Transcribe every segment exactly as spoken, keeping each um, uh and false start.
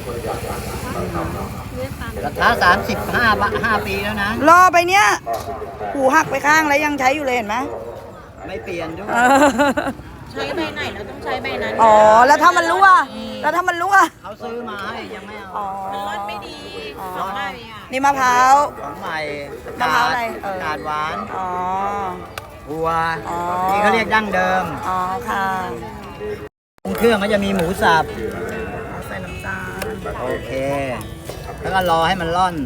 กระทะสามสิบห้าห้าปีแล้วนะรอไปเนี้ยหูหักไปข้างแล้วยังใช้อยู่เลยเห็นไหมไม่เปลี่ยนด้วยใช้ใบไหนเราต้องใช้ใบนั้นอ๋อแล้วถ้ามันรั่วแล้วถ้ามันรั่วเขาซื้อมาให้ยังไม่เอามันรสไม่ดีของใหม่อ่ะนี่มะพร้าวของใหม่มะพร้าวอะไรกาดหวานอ๋อบัวนี่เขาเรียกดั้งเดิมอ๋อค่ะเครื่องก็จะมีหมูสับใส่น้ำตาลโอเคแล้วก็รอให้มันร่อน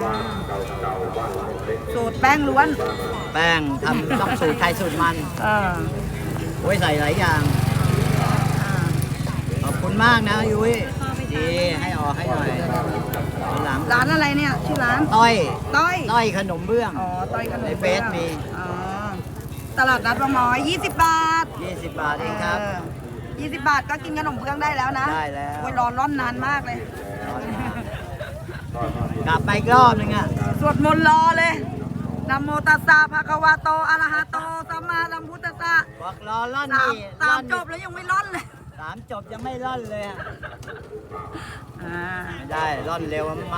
สูตรแป้งล้วนแป้งทำต้องสูตรใครสูตรมันโอ้ยใส่หลายอย่างขอบคุณมากนะยุ้ยดีให้ออกให้หน่อยหลังร้านอะไรเนี่ยชื่อร้านต้อยต้อยต้อยขนมเบื้องอ๋อต้อยขนมในเฟซมีอ๋อตลาดนัดบางน้อยยี่สิบบาทยี่สิบบาทเองครับยี่สิบบาทก็กินขนมเบื้องได้แล้วนะได้แล้วโอ้ยรอร้อนนานมากเลยกลับไปอีกรอบนึงอ่ะสวดมนต์รอเลยนะโมตัสสะภะคะวะโตอะระหะโตสัมมาสัมพุทธัสสะบอกรอร่อนนี่สามจบแล้วยังไม่ร่อนเลยสามจบยังไม่ร่อนเลยอ่ะไม่ได้ร่อนเร็วมันไหม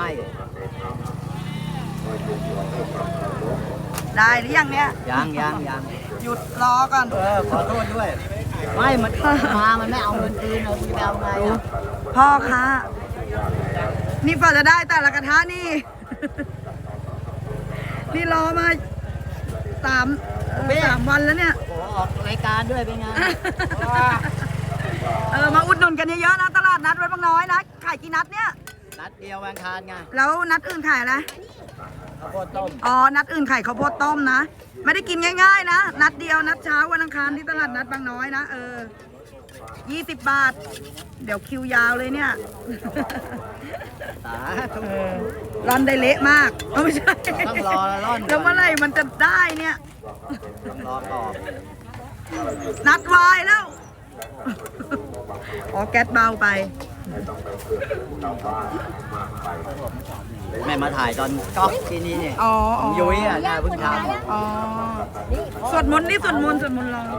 ได้หรือยังเนี่ยยังยังยังหยุดรอก่อนเออขอโทษด้วยไม่มันมามันไม่เอาเงินคืนเราจะเอาไงอ่ะพ่อคะนี่พอจะได้แต่ละกระทะนี่นี่รอมาสามสามวันแล้วเนี่ยโอ้ออกรายการด้วยเป็นไงเออมาอุดหนุนกันเยอะๆนะตลาดนัดวัดบางน้อยนะขายกี่นัดเนี่ยนัดเดียววันคารไงแล้วนัดอื่นขายอะไรข้าวโพดต้มอ๋อนัดอื่นขายข้าวโพดต้มนะไม่ได้กินง่ายๆนะนัดเดียวนัดเช้าวันอังคารที่ตลาดนัดบางน้อยนะเออยี่สิบบาทเดี๋ยวคิวยาวเลยเนี่ยร่อนได้เละมากไม่ใช่ต้องรอร่อนแล้วเมื่อไหร่มันจะได้เนี่ยต้องรอก่อนนัดวายแล้วอ๋อแก๊สเบาไปแม่มาถ่ายตอนก๊อกที่นี่เนี่ยยุ้ยอ่ะนะเพิ่งทำอ๋อสวดมนต์นี่สวดมนต์สวดมนต์รอ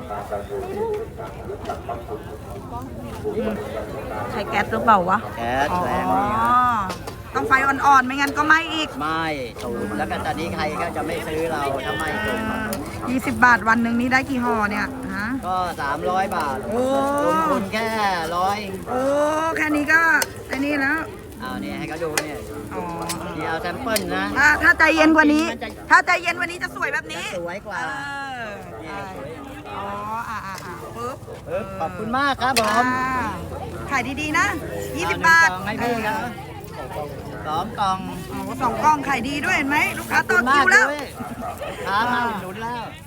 ใช้แก๊สหรือเปล่าวะแก๊สแรงต้องไฟอ่อนๆไม่งั้นก็ไหม้อีกไม่สูตรแล้วก็ตอนนี้ใครก็จะไม่ซื้อเราทำไมสูตรยี่สิบบาทวันหนึ่งนี้ได้กี่ห่อเนี่ยฮะก็สามร้อยบาทโอ้ลงทุนแค่ร้อยโอ้แค่นี้ก็ไอ้นี่แล้วเอาเนี่ยให้เขาดูเนี่ยนี่เอาแซมเปิลนะถ้าใจเย็นกว่านี้ถ้าใจเย็นกว่านี้จะสวยแบบนี้สวยกว่าอ๋ออ่าอ่าปึ๊บขอบคุณมากครับผมขายดีๆนะยี่สิบบาทให้พี่ครับสองกล่องสองกล่องขายดีด้วยเห็นไหมลูกค้าต่อคิวแล้วค้ามาหนุนแล้ว